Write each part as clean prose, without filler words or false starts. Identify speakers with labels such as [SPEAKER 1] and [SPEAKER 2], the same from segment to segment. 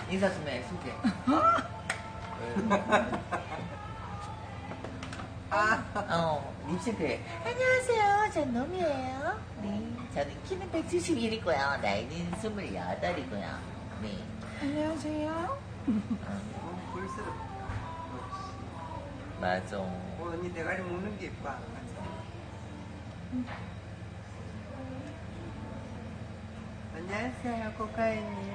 [SPEAKER 1] 인사 좀 해, 소개. 립싱크해. 안녕하세요. 전 놈이에요. 네. 저는 키는 171이고요. 나이는 28이고요. 네.
[SPEAKER 2] 안녕하세요.
[SPEAKER 3] 볼스럽다.
[SPEAKER 1] 맞아.
[SPEAKER 3] 언니 대가리 먹는 게 예뻐. 안녕하세요, 코카이님.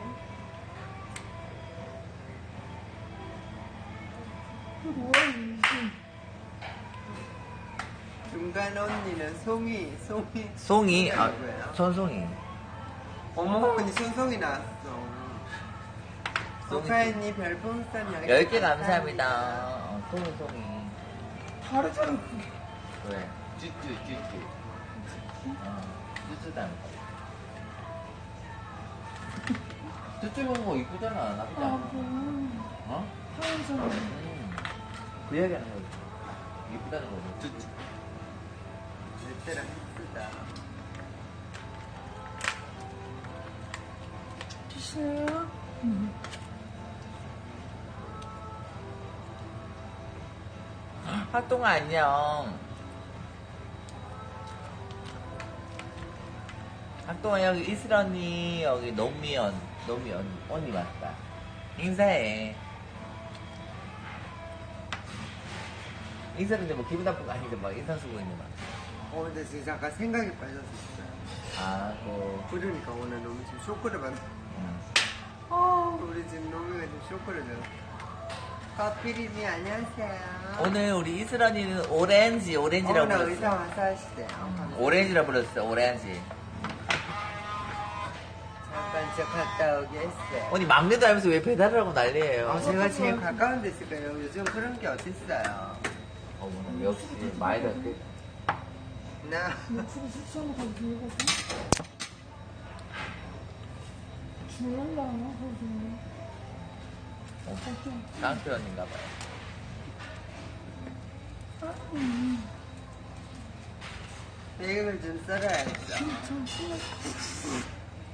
[SPEAKER 3] 중간 언니는 송이.
[SPEAKER 1] 송이,
[SPEAKER 3] 누구예요?
[SPEAKER 1] 손송이.
[SPEAKER 3] 어머, 언니 손송이 나왔어.
[SPEAKER 1] 송이.
[SPEAKER 3] 코카이님 별풍선
[SPEAKER 1] 10개 감사합니다. 송이.
[SPEAKER 2] 다르잖아.
[SPEAKER 1] 왜? 쭈쭈. 쭈쭈 닮은 거. 쭈쭈 먹는 거 이쁘잖아. 나쁘지 않아. 어?
[SPEAKER 2] 하얀색.
[SPEAKER 1] 그 이야기 하는 거지. 이쁘다는 거지. 쭈쭈.
[SPEAKER 3] 때랑 예쁘다.
[SPEAKER 2] 드시나요?
[SPEAKER 1] 학동아 안녕. 학동아 여기 이슬 언니, 여기 노미 언니 맞다. 인사해. 인사는데 뭐 기분 나쁜 거 아닌데 막 인사 쓰고 있는 막.
[SPEAKER 3] 근데 지금 잠깐 생각이 빠졌었어요.
[SPEAKER 1] 아,
[SPEAKER 3] 그러니까 오늘 너무 지금 쇼크를 받았어.
[SPEAKER 2] 아,
[SPEAKER 3] 우리 지금 노미가 지금 쇼크를 받았어. 커피리님 안녕하세요.
[SPEAKER 1] 오늘 우리 이슬 언니는 오렌지라고
[SPEAKER 3] 나
[SPEAKER 1] 불렀어.
[SPEAKER 3] 의사 와서 하시대요.
[SPEAKER 1] 오렌지라고 불렀어, 오렌지.
[SPEAKER 3] 잠깐 저 갔다 오겠어요.
[SPEAKER 1] 언니 막내도 알면서 왜 배달을 하고 난리예요?
[SPEAKER 3] 제가 제일 가까운 데 있을까요? 요즘 그런 게 어딨어요.
[SPEAKER 1] 어머나, 역시 많이 닿게.
[SPEAKER 3] 나
[SPEAKER 2] 육수를 숙소로 가서 들거든. 줄란다, 거기.
[SPEAKER 1] 깡패 언니인가 봐요.
[SPEAKER 3] 베이글 좀 썰어야겠어.
[SPEAKER 2] 참 신났어.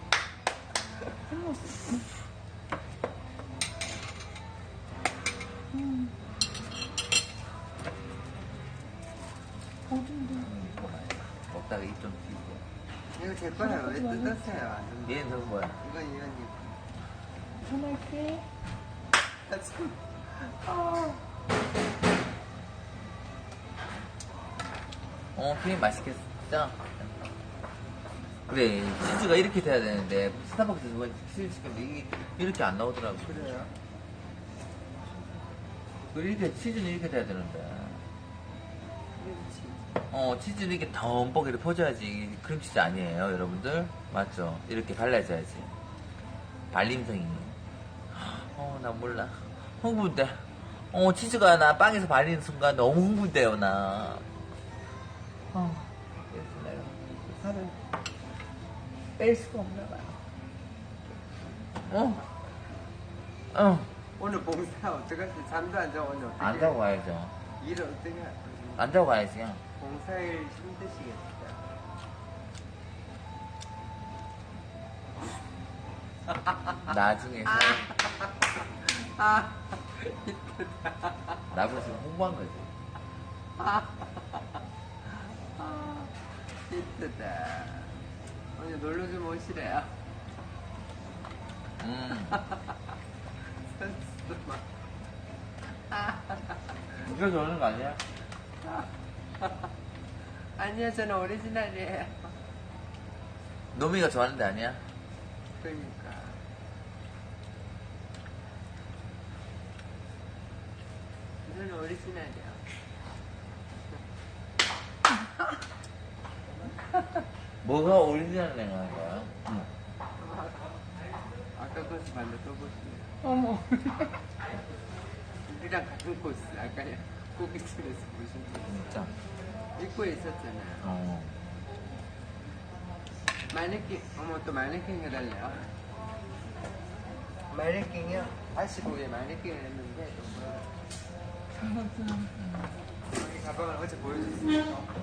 [SPEAKER 2] 어딘데?
[SPEAKER 1] 먹다가 입 좀 튀고.
[SPEAKER 3] 이거 제 거예요. 왜 뜯었어요?
[SPEAKER 1] 얘는 저거 뭐야?
[SPEAKER 3] 이건 이현님.
[SPEAKER 2] 전화할게.
[SPEAKER 1] 크림 맛있겠죠? 그래, 치즈가 이렇게 돼야 되는데, 스타벅스에서 뭐 치즈 시켰는데 이게 이렇게 안 나오더라고.
[SPEAKER 3] 그래요?
[SPEAKER 1] 이렇게, 치즈는 이렇게 돼야 되는데.
[SPEAKER 3] 그렇지.
[SPEAKER 1] 치즈는 이렇게 덤뻑 이렇게 퍼져야지 크림치즈 아니에요, 여러분들? 맞죠? 이렇게 발라줘야지. 발림성이. 나 몰라. 흥분돼. 치즈가 나 빵에서 발리는 순간 너무 흥분돼요, 나. 그래서 내가 살을 뺄 수가 없나 봐요.
[SPEAKER 3] 오늘 봉사 어떡하지? 잠도 안 자고 오늘 어떻게
[SPEAKER 1] 안 자고 가야죠.
[SPEAKER 3] 일을 어떻게 할 거지?
[SPEAKER 1] 안 자고 가야지.
[SPEAKER 3] 봉사일 힘드시겠다.
[SPEAKER 1] 나중에
[SPEAKER 3] 아,
[SPEAKER 1] 나보고 지금 홍보한 거지.
[SPEAKER 3] 힘들다. 오늘 놀러 좀 오시래요. 선수만.
[SPEAKER 1] 이거 좋아하는 거 아니야?
[SPEAKER 3] 아니요, 저는 오리지널이에요.
[SPEAKER 1] 노미가 좋아하는 데 아니야?
[SPEAKER 3] 그러니까. 저는 오리지널이요.
[SPEAKER 1] 뭐가 오리지널 냉한 거야?
[SPEAKER 3] 아까 코스 반대 또 보시네요.
[SPEAKER 2] 어머.
[SPEAKER 3] 우리랑 같은 코스. 아까 고깃집에서 보신 거.
[SPEAKER 1] 진짜.
[SPEAKER 3] 입구에 있었잖아요. 마네킹, 또 마네킹 해달래요. 마네킹이요? 85에 마네킹을 했는데, 여기 가방을 어제 보여줬어요.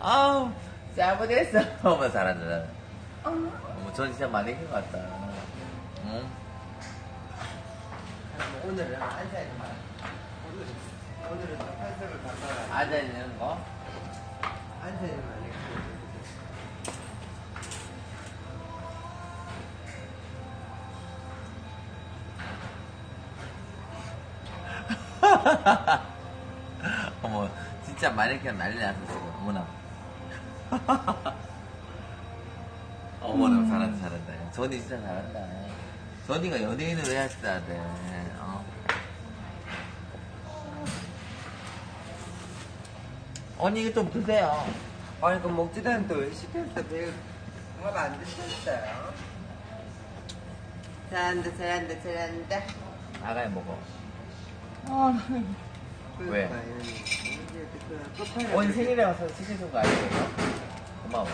[SPEAKER 1] 아우, 잘못했어. 어머, 잘한다. 어머, 전 진짜 마네킹 같다. 응?
[SPEAKER 3] 오늘은 앉아있는 오늘은 좀 컨셉을 바꿔라.
[SPEAKER 1] 앉아있는 거?
[SPEAKER 3] 앉아있는 마네킹.
[SPEAKER 1] 어머, 진짜 마네킹 난리 났어, 지금. 어머나. 어머나, 잘한다, 잘한다. 전이 진짜 잘한다. 전이가 연예인을 해야 진짜 돼. 언니, 이거 좀 드세요.
[SPEAKER 3] 아니, 그 먹지도 않는데 왜 시켰어? 밥안 드셨어요? 잘한다, 잘한다, 잘한다.
[SPEAKER 1] 아가야 먹어.
[SPEAKER 2] 아,
[SPEAKER 1] 왜?
[SPEAKER 3] 끝판에
[SPEAKER 1] 언니 생일에 와서 시켜준 거 아니에요? 고마워.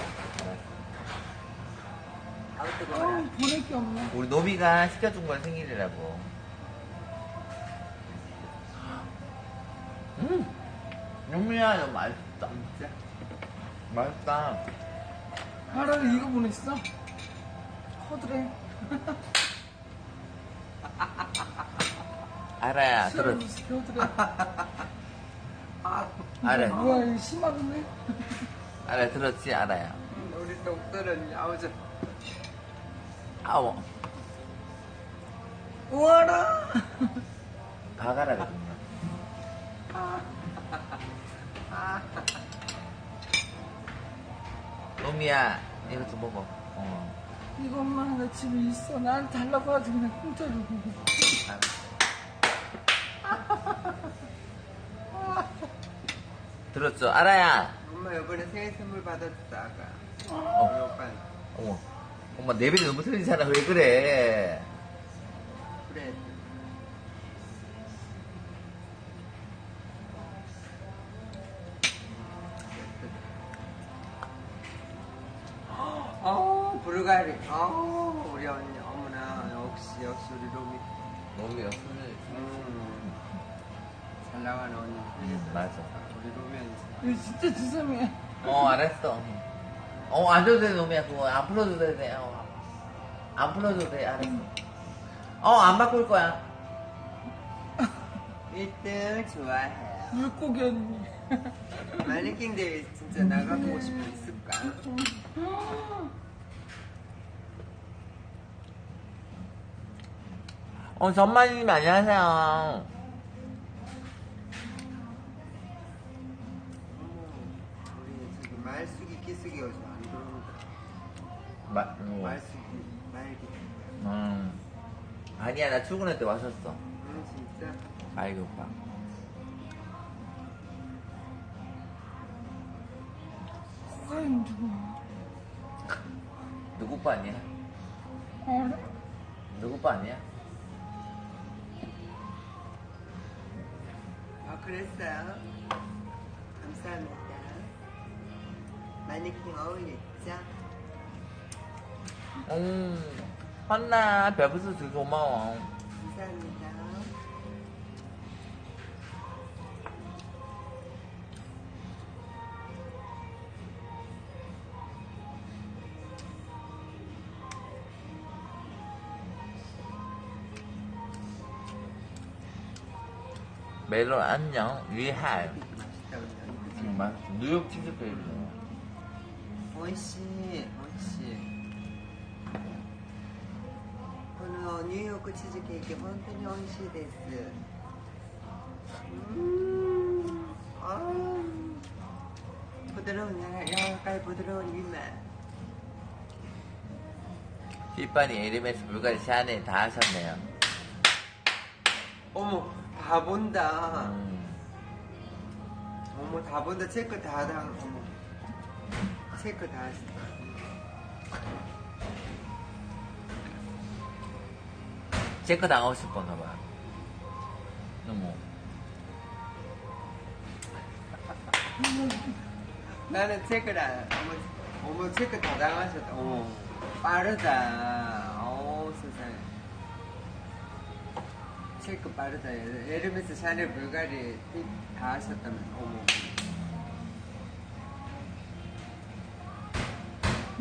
[SPEAKER 3] 아우 뜨거워라.
[SPEAKER 2] 보낼 게 없네.
[SPEAKER 1] 우리 노비가 시켜준 건 생일이라고. 노미야, 너무 맛있다.
[SPEAKER 3] 진짜?
[SPEAKER 1] 맛있다.
[SPEAKER 2] 하라를 이거 보냈어? 커드래.
[SPEAKER 1] 알아야, 들어.
[SPEAKER 2] 커드래.
[SPEAKER 1] 알아.
[SPEAKER 2] 뭐야, 이거 심하네.
[SPEAKER 1] 알아, 들었지? 알아야.
[SPEAKER 3] 우리 doktor은 야우죠.
[SPEAKER 1] 아워.
[SPEAKER 3] 우와라!
[SPEAKER 1] 가가라거든요. 노미야, 이거 좀 먹어.
[SPEAKER 2] 이거 엄마 하나 집에 있어. 난 달라고 하지 그냥 공짜로.
[SPEAKER 1] 들었죠? 알아야.
[SPEAKER 3] 엄마 이번에 생일 선물 받았어 아까. 우리
[SPEAKER 1] 어.
[SPEAKER 3] 오빠는.
[SPEAKER 1] 어머. 엄마, 레벨이 너무 틀리잖아. 왜 그래?
[SPEAKER 3] 그래. 불가리. 우리 언니. 어머나 역시 우리 로미.
[SPEAKER 1] 노미가 손을.
[SPEAKER 3] 잘 나가는 언니.
[SPEAKER 1] 맞아.
[SPEAKER 3] 우리 로미 언니.
[SPEAKER 2] 이거 진짜 주섬이야.
[SPEAKER 1] 알았어. 안 줘도 돼, 노미야. 그거 안 풀어도 돼. 안 풀어도 돼. 알았어. 안 바꿀 거야.
[SPEAKER 3] 1등 좋아해요.
[SPEAKER 2] 물고기 언니.
[SPEAKER 3] 마네킹 대회 진짜 나가보고 싶어 있을까?
[SPEAKER 1] 전마님 안녕하세요.
[SPEAKER 3] 우리 저기 말숙이 끼숙이 요즘 안 들어온다. 말숙이 말기.
[SPEAKER 1] 아니야, 나 출근할 때 왔었어.
[SPEAKER 3] 진짜.
[SPEAKER 1] 말기 오빠.
[SPEAKER 2] 코가 힘들어.
[SPEAKER 1] 누구 오빠 아니야?
[SPEAKER 2] 알아?
[SPEAKER 1] 누구 오빠 아니야?
[SPEAKER 3] 그랬어요. 감사합니다. 마네킹 어울렸죠?
[SPEAKER 1] 헌나, 별부스 되게 고마워.
[SPEAKER 3] 감사합니다.
[SPEAKER 1] 멜론 안녕. 위할.
[SPEAKER 3] 맛있다 우리 언니.
[SPEAKER 1] 맛있어. 뉴욕 치즈케이크.
[SPEAKER 3] 오이시, 오이시. このニューヨークチーズケーキ本当に美味しいです。부드러운 야간 부드러운 입맛.
[SPEAKER 1] 휘빠니 에르메스 불가리 샤넬 다 하셨네요.
[SPEAKER 3] 어머 다 본다. 어머 다 본다. 체크 다 어머 체크 다 했어.
[SPEAKER 1] 체크 당하고 싶었나 봐. 너무.
[SPEAKER 3] 나는 체크를 안. 어머 체크 다 당하셨다. 어머 빠르다. 세상에. 체크 빠르다. 에르메스 샤넬 불가리 다 하셨다면 어머.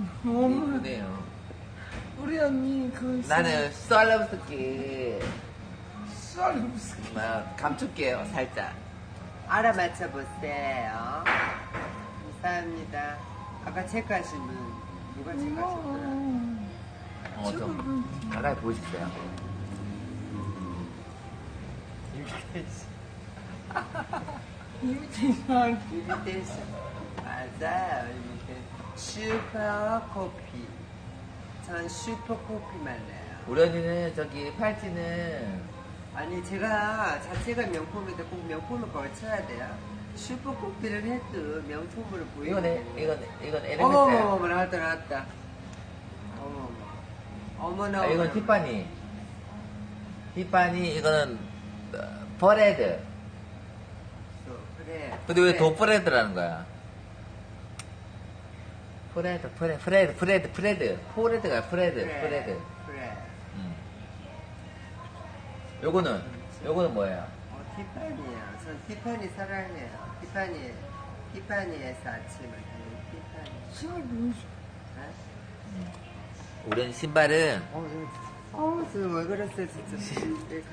[SPEAKER 2] 엄마,
[SPEAKER 1] 이쁘네요.
[SPEAKER 2] 우리 언니 그
[SPEAKER 1] 나는 썰러브스키
[SPEAKER 2] 썰루스키.
[SPEAKER 1] 감출게요, 살짝.
[SPEAKER 3] 알아맞혀 보세요. 감사합니다. 아까 체크하신 분 누가 체크하셨더라?
[SPEAKER 1] 좀 가까이 보시세요.
[SPEAKER 2] 이미테이션.
[SPEAKER 3] 이미테이션. 맞아요, 이미테이션. 슈퍼 커피. 전 슈퍼 커피만 내요.
[SPEAKER 1] 우리 언니는 저기 팔찌는
[SPEAKER 3] 아니, 제가 자체가 명품인데 꼭 명품을 걸쳐야 돼요. 슈퍼 커피를 해도 명품으로 보이는.
[SPEAKER 1] 이건 에르메스야.
[SPEAKER 3] 어머머머, 나왔다. 어머나.
[SPEAKER 1] 이건 티파니. 티파니 이거는 버레드.
[SPEAKER 3] 그래.
[SPEAKER 1] 근데 왜 더 브레드라는 거야? 프레드가 프레드.
[SPEAKER 3] 그래.
[SPEAKER 1] 요거는 뭐예요?
[SPEAKER 3] 티파니요. 전 티파니 사랑해요. 티파니에서 아침을 하는 티파니.
[SPEAKER 2] 신을 보여줘.
[SPEAKER 1] 우리는 신발은
[SPEAKER 3] 지금 왜 그랬어요, 진짜. 왜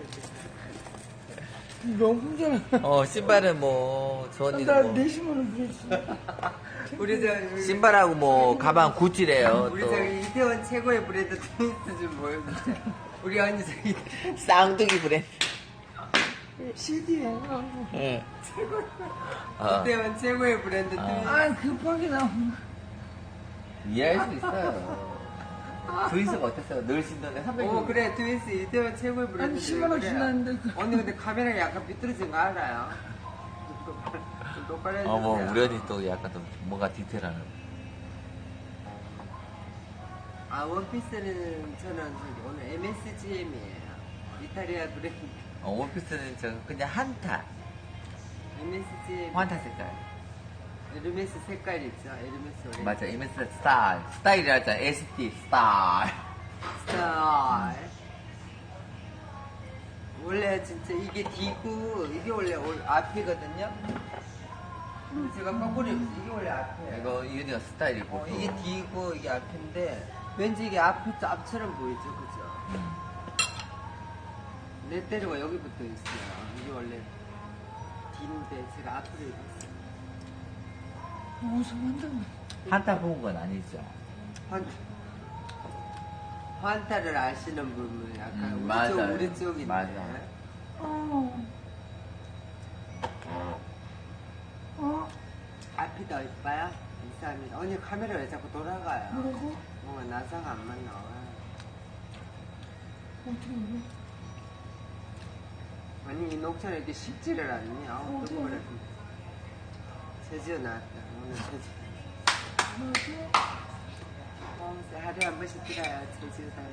[SPEAKER 2] 명품잖아.
[SPEAKER 1] 신발은 뭐 저
[SPEAKER 2] 나
[SPEAKER 1] 언니는 뭐
[SPEAKER 2] 내심으로 그랬어.
[SPEAKER 3] 우리 저
[SPEAKER 1] 신발하고 뭐 가방 구찌래요.
[SPEAKER 3] 우리
[SPEAKER 1] 또
[SPEAKER 3] 저기 이태원 최고의 브랜드 트윈스 좀 보여주세요. 우리 언니 저기
[SPEAKER 1] 쌍둥이 브랜드.
[SPEAKER 2] CD예요.
[SPEAKER 1] 응.
[SPEAKER 3] 이태원 최고의 브랜드 트윈스.
[SPEAKER 2] 아, 급하게 나오면.
[SPEAKER 1] 이해할 수 있어요. 트윈스가 어땠어요? 늘 신던데 300원.
[SPEAKER 3] 그래 트윈스 이태원 최고의 브랜드.
[SPEAKER 2] 아니, 10만 원 지났는데.
[SPEAKER 3] 언니 근데 카메라가 약간 삐뚤어진 거 알아요? 좀 똑바로 해주세요.
[SPEAKER 1] 뭐 우리 언니 또 약간 좀 뭔가 디테일하는.
[SPEAKER 3] 원피스는 저는 저기 오늘 MSGM이에요. 이탈리아 브랜드.
[SPEAKER 1] 원피스는 저 그냥 한타.
[SPEAKER 3] MSGM.
[SPEAKER 1] 환타 색깔.
[SPEAKER 3] 에르메스 색깔 있죠? 에르메스 오렌지.
[SPEAKER 1] 맞아, 이메스 스타일. 스타일이라 하잖아. ST 스타일.
[SPEAKER 3] 스타일. 원래 진짜 이게 D고 이게 원래 앞이거든요. 제가 거꾸로 이게 원래 앞이에요.
[SPEAKER 1] 이거 이은이가 스타일이고.
[SPEAKER 3] 이게 D고 이게 앞인데 왠지 이게 앞처럼 보이죠, 그죠? 내 때리가 여기 붙어 있어요. 이게 원래 D인데 제가 앞으로 입었어요.
[SPEAKER 2] 무서운다.
[SPEAKER 1] 한타 본 건 아니죠.
[SPEAKER 3] 환타를 아시는 분은 약간 우리
[SPEAKER 1] 맞아요.
[SPEAKER 3] 우리 쪽인데.
[SPEAKER 1] 맞아요.
[SPEAKER 3] 앞이 더 이뻐요? 감사합니다. 언니 카메라 왜 자꾸 돌아가요?
[SPEAKER 2] 뭐라고?
[SPEAKER 3] 뭔가 나사가 안 맞나 봐.
[SPEAKER 2] 어떻게 알아?
[SPEAKER 3] 아니 이 녹차는 이렇게 식지를 않니? 아우
[SPEAKER 2] 어디?
[SPEAKER 3] 또 그래. 제지어 나왔다. 오늘 제지어.
[SPEAKER 2] 맞아.
[SPEAKER 3] 하루에 한 번씩 들어요. 제지어 다니.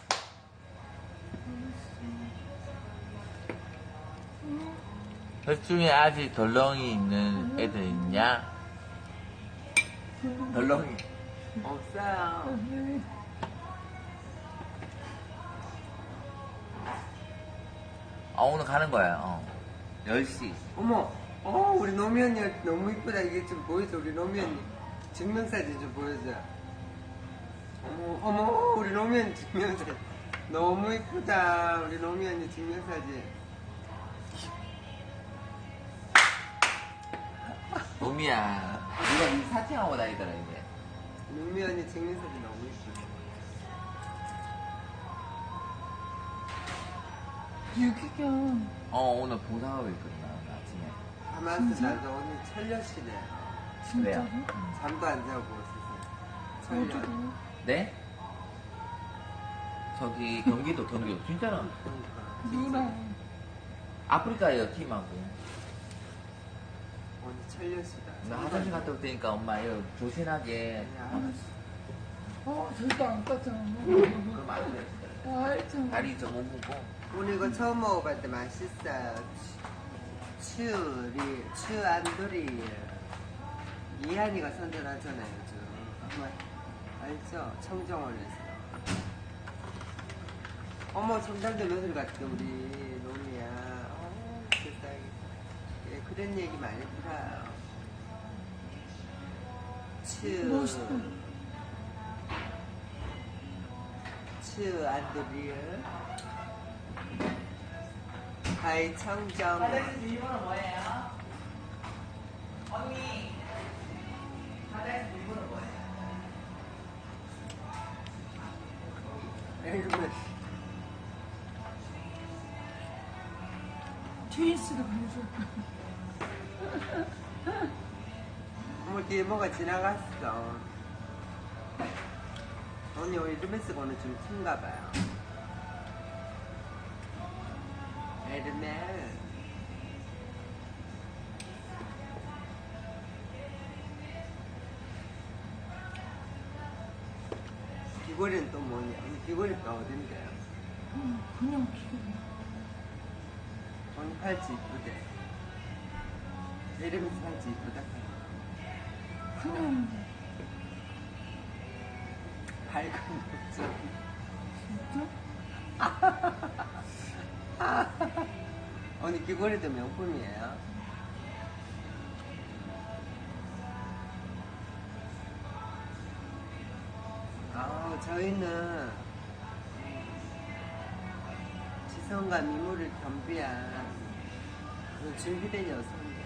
[SPEAKER 1] 그 중에 아직 덜렁이 있는 애들 있냐? 덜렁이.
[SPEAKER 3] 없어요.
[SPEAKER 1] 오늘 가는 거야. 10시.
[SPEAKER 3] 어머, 우리 노미 언니 너무 이쁘다. 이게 좀 보여줘. 우리 노미 언니 증명사진 좀 보여줘. 어머, 우리 노미 언니 증명사진. 너무 이쁘다. 우리 노미 언니 증명사진.
[SPEAKER 1] 놈이야. 이거 이 사칭하고 다니더라, 이제.
[SPEAKER 3] 노미 언니 증명사진 너무 이쁘다.
[SPEAKER 2] 유기견.
[SPEAKER 1] 오늘 봉사하고 있거든, 나 아침에.
[SPEAKER 3] 가만있어. 나도 오늘 철려시네.
[SPEAKER 2] 진짜로?
[SPEAKER 3] 잠도 안 자고 있어서. 철려.
[SPEAKER 2] 어떻게?
[SPEAKER 1] 네? 저기, 경기도. 진짜로.
[SPEAKER 3] 그러니까.
[SPEAKER 2] 누구랑?
[SPEAKER 1] 아프리카예요, 팀하고.
[SPEAKER 3] 오늘 철려시다.
[SPEAKER 1] 나 화장실 갔다 올 테니까 엄마 이거 조신하게.
[SPEAKER 2] 절대 안 깠잖아.
[SPEAKER 1] 그럼 안 돼.
[SPEAKER 2] 알잖아.
[SPEAKER 1] 다리 좀 못 묻고.
[SPEAKER 3] 오늘 이거 처음 먹어봤는데 맛있어요. 추안도리. 이한이가 선전하잖아요, 요즘. 정말 알죠? 청정원에서. 어머, 청담도 며느리 같아, 우리 놈이야. 세상에. 예, 그런 얘기 많이 들어요.
[SPEAKER 2] 멋있다.
[SPEAKER 3] 슈 안드리어 하이 청정
[SPEAKER 1] 화장실 비밀번호 뭐예요? 언니 화장실 비밀번호 뭐예요?
[SPEAKER 3] 이러면
[SPEAKER 2] 트윈스도 보여줘.
[SPEAKER 3] 뭐 뒤에 뭐가 지나갔어. 언니 우리 에르메스 거는 좀 튼가 봐요. 에르메스. 귀걸이는 또 뭐냐? 귀걸이가 어딘데요?
[SPEAKER 2] 그냥 기분.
[SPEAKER 3] 언니 팔찌 이쁘대. 에르메스 팔찌 이쁘다.
[SPEAKER 2] 그냥
[SPEAKER 3] 밝은 목소리.
[SPEAKER 2] 진짜?
[SPEAKER 3] 언니 귀걸이도 명품이에요. 저희는 지성과 미모를 겸비한 그런 준비된 여성이에요.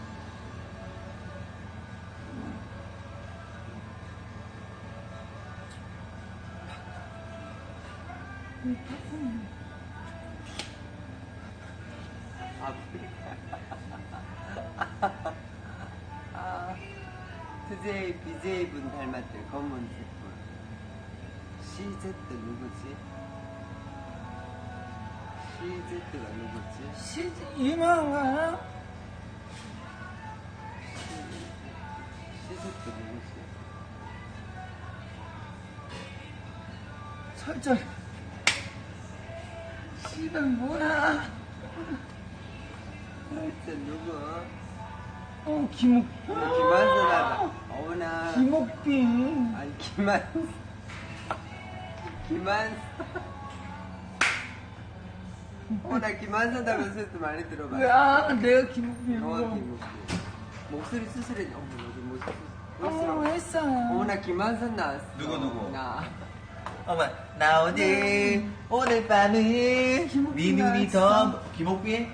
[SPEAKER 2] 이 팝콘.
[SPEAKER 3] TJ, BJ 분 닮았대. 검은색 분. CZ 누구지? CZ가 누구지?
[SPEAKER 2] 시즈 유명한
[SPEAKER 3] CZ 누구지?
[SPEAKER 2] 설정. 씨발 뭐야?
[SPEAKER 3] CZ 누구?
[SPEAKER 2] 김옥.
[SPEAKER 3] 김한선하다. 어머나.
[SPEAKER 2] 김옥빈.
[SPEAKER 3] 아니 김한선. 나 김한선 닮은 소리도 많이 들어봤어.
[SPEAKER 2] 야, 내가 김옥빈이고.
[SPEAKER 3] 김옥빈. 목소리 수술해. 어머 목소리.
[SPEAKER 2] 했어.
[SPEAKER 3] 나 김한선 나왔어.
[SPEAKER 1] 누구?
[SPEAKER 3] 나.
[SPEAKER 1] 어머 나 오늘 밤은 네 눈이 더 김옥빈?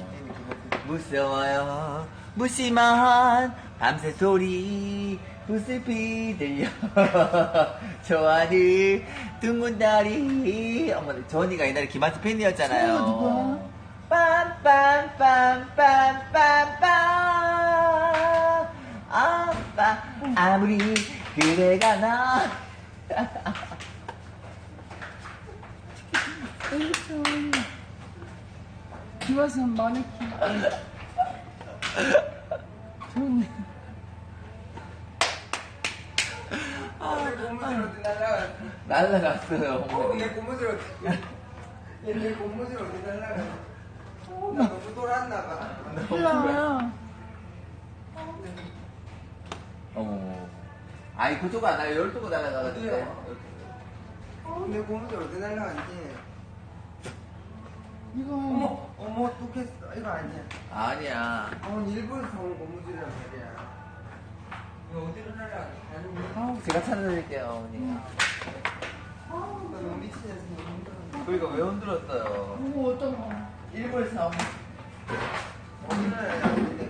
[SPEAKER 1] 무서워요 무심한 밤새 소리 부슬피 들려 좋아하는 둥근 다리 어머 저 언니가 옛날에 김한수 팬이었잖아요.
[SPEAKER 2] 저 누구야?
[SPEAKER 1] 빰빰빰빰빰빰빰 아빠 아무리 그대가 나
[SPEAKER 2] 에이션. 김하선 마네킹. 좋네.
[SPEAKER 3] 내 고무줄 어디 날라갔어?
[SPEAKER 1] 날라갔어요 어머니.
[SPEAKER 3] 내 고무줄 어디? 내 고무줄 어디 날라갔어? 나 너무 돌았나 봐.
[SPEAKER 2] 몰라.
[SPEAKER 1] 어머 아이 그쪽 안 와요 열두고 날아가거든요.
[SPEAKER 3] 내 고무줄 어디 날라갔지?
[SPEAKER 2] 이거
[SPEAKER 3] 어머 뚝했어. 이거 아니야.
[SPEAKER 1] 아니야
[SPEAKER 3] 일본에서 사온 고무줄이란 말이야. 이거 어디로 날라갔지?
[SPEAKER 1] 제가 찾아드릴게요 어머니.
[SPEAKER 3] 나 너무 미치겠어. 너무 힘들어.
[SPEAKER 1] 그러니까 왜 흔들었어요?
[SPEAKER 2] 이거 어떤 거?
[SPEAKER 1] 일본에서 나온
[SPEAKER 3] 어디 날라갔지?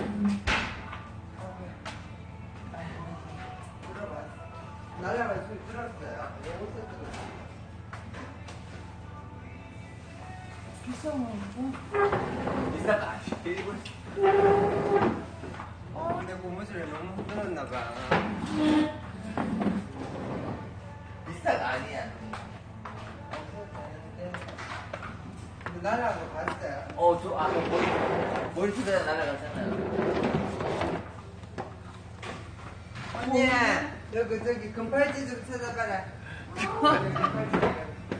[SPEAKER 3] 날라갈 소리 들었어요. 어디서 들었어?
[SPEAKER 2] 비싼 거.
[SPEAKER 1] 비싸가 아니에요 일본.
[SPEAKER 3] 내 고무줄에 너무 흔들었나 봐.
[SPEAKER 1] 비싸가 아니야.
[SPEAKER 3] 근데 날아간 거 봤어요?
[SPEAKER 1] 저 아까 머리 투자 날아갔잖아요.
[SPEAKER 3] 언니, 여기 저기 금팔찌 좀 찾아봐라. 금팔찌.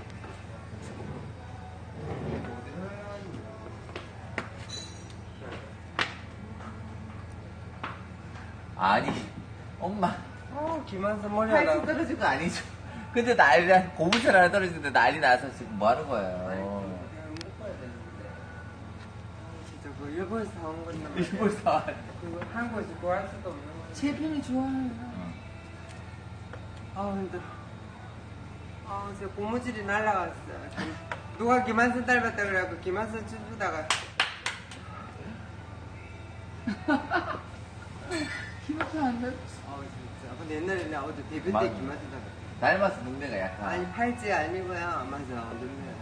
[SPEAKER 1] 아니 엄마
[SPEAKER 3] 김한선 머리
[SPEAKER 1] 팔찌
[SPEAKER 3] 하나.
[SPEAKER 1] 떨어진 거 아니죠? 근데 고무줄 하나 떨어지는데 난리 나서 지금 뭐 하는 거예요?
[SPEAKER 3] 진짜 그 일본에서 사온 건데.
[SPEAKER 1] 일본에서
[SPEAKER 3] 그거 한국에서 구할 수도 없는 거.
[SPEAKER 2] 제 편이 좋아요.
[SPEAKER 3] 힘들어. 저 고무줄이 날라갔어. 누가 김한선 닮았다 그래갖고 김한선 춤추다가.
[SPEAKER 2] 기억이 안 나.
[SPEAKER 3] 진짜. 근데 옛날에 나 어제 데뷔 때
[SPEAKER 1] 맞아.
[SPEAKER 3] 김한선 닮았다.
[SPEAKER 1] 닮아서 눈매가 약간.
[SPEAKER 3] 아니 팔찌 아니고요. 맞아. 눈매.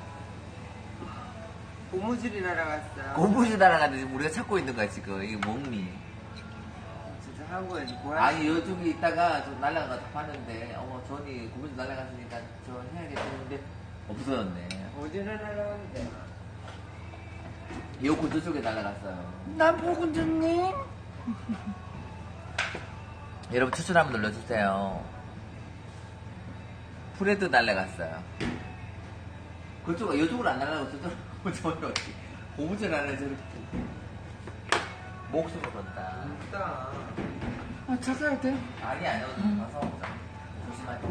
[SPEAKER 3] 고무줄이 날아갔어.
[SPEAKER 1] 고무줄 날아가는데 우리가 찾고 있는 거야 지금. 이게 멍미.
[SPEAKER 3] 진짜 한국에 뭐야?
[SPEAKER 1] 아니 요쪽에 있다가 저 날아가서 봤는데 어머 전이 고무줄 날아갔으니까 저 해야겠는데 없어졌네.
[SPEAKER 3] 어디로 날아갔는데?
[SPEAKER 1] 요코 저쪽에 날아갔어요.
[SPEAKER 2] 남포군주님.
[SPEAKER 1] 여러분 추천 한번 눌러주세요. 프레드 날아갔어요. 그쪽 이쪽으로 안 날아가고 저쪽으로 어떻게 고무줄 안에 저렇게 목숨을 건다.
[SPEAKER 3] 진짜.
[SPEAKER 2] 아, 찾아야 돼.
[SPEAKER 1] 아니 아니요. 가서 오자. 조심하게.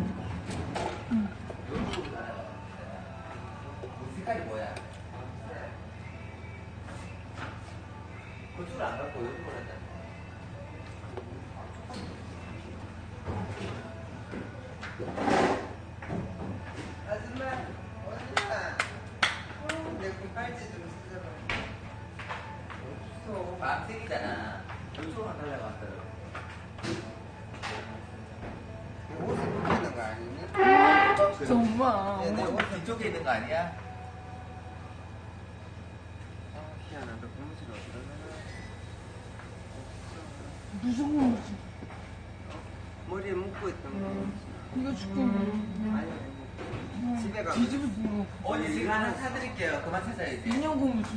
[SPEAKER 1] 이쪽으로 날아가. 색깔이 뭐야? 그쪽으로 안 갖고 이쪽으로 한다.
[SPEAKER 3] 아줌마 어디야? 내 팔찌 좀 쓰자봐. 없어.
[SPEAKER 1] 밤색이잖아. 이쪽으로 안 날아갔어요.
[SPEAKER 3] 옷을 입는 거 아니니?
[SPEAKER 2] 정말.
[SPEAKER 3] 내 옷.
[SPEAKER 1] 뒤쪽에 있는 거 아니야?
[SPEAKER 3] 희한하다. 고무줄 어디로 나가?
[SPEAKER 2] 무슨 건지.
[SPEAKER 3] 머리에 묶고 있던 거.
[SPEAKER 2] 이거 줄게.
[SPEAKER 3] 아니 집에 가면
[SPEAKER 2] 뒤집어진 거.
[SPEAKER 1] 언니 제가 하나 사드릴게요. 그만 찾아야지.
[SPEAKER 2] 인형 고무줄.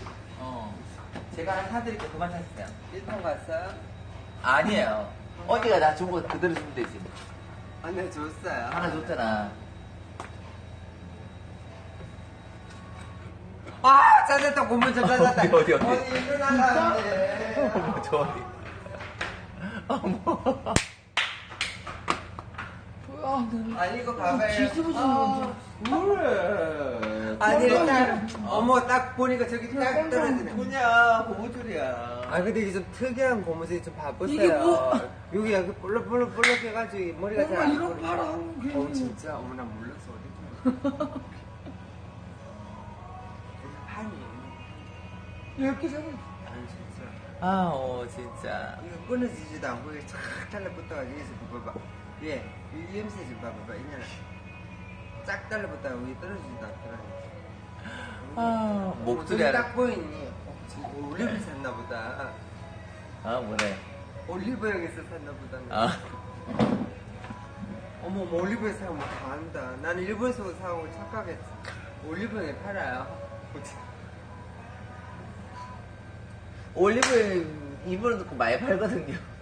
[SPEAKER 1] 제가 하나 사드릴게요. 그만 찾으세요.
[SPEAKER 3] 1번 갔어?
[SPEAKER 1] 아니에요. 언니가 나 준 거 그대로 주면 되지.
[SPEAKER 3] 아니 네, 줬어요.
[SPEAKER 1] 하나 줬잖아.
[SPEAKER 3] 아 찾았다. 고무줄 찾았다.
[SPEAKER 1] 어디?
[SPEAKER 3] 이거 나가는데.
[SPEAKER 1] 어머, 저 어디. 어머.
[SPEAKER 2] 아, 네.
[SPEAKER 3] 아니 이거 봐봐요.
[SPEAKER 2] 뒤집어진 거.
[SPEAKER 1] 그래.
[SPEAKER 3] 아니 일단 어머 딱 보니까 저기 딱 떨어지네.
[SPEAKER 1] 뭐냐, 고무줄이야.
[SPEAKER 3] 아 근데 이게 좀 특이한 고무줄이 좀 봐보세요.
[SPEAKER 2] 이게 뭐-
[SPEAKER 3] 여기 여기 볼록볼록 해가지고 머리가 잘
[SPEAKER 2] 엄마
[SPEAKER 3] 안
[SPEAKER 2] 이런
[SPEAKER 3] 보여.
[SPEAKER 2] 파랑 괜히.
[SPEAKER 3] 진짜 어머 나 몰랐어 어디 판이
[SPEAKER 2] 이렇게 잡아.
[SPEAKER 3] 아니 진짜
[SPEAKER 1] 아, 진짜.
[SPEAKER 3] 이거 끊어지지도 않고 이게 쫙 달라붙어가지고 여기서 봐봐 위에 이 염새 좀 봐봐 이년아 쫙 달라붙다가 위에 떨어지지도 않더라고.
[SPEAKER 1] 목소리
[SPEAKER 3] 저기
[SPEAKER 1] 하나.
[SPEAKER 3] 딱 보이니? 지금 올리브 샀나 보다.
[SPEAKER 1] 뭐래.
[SPEAKER 3] 올리브영에서 샀나 보다.
[SPEAKER 1] 아.
[SPEAKER 3] 어머, 올리브영에서 사면 다 안다. 나는 일본에서 사고 착각했지. 올리브영에 팔아요.
[SPEAKER 1] 올리브영 일본에도 많이 팔거든요.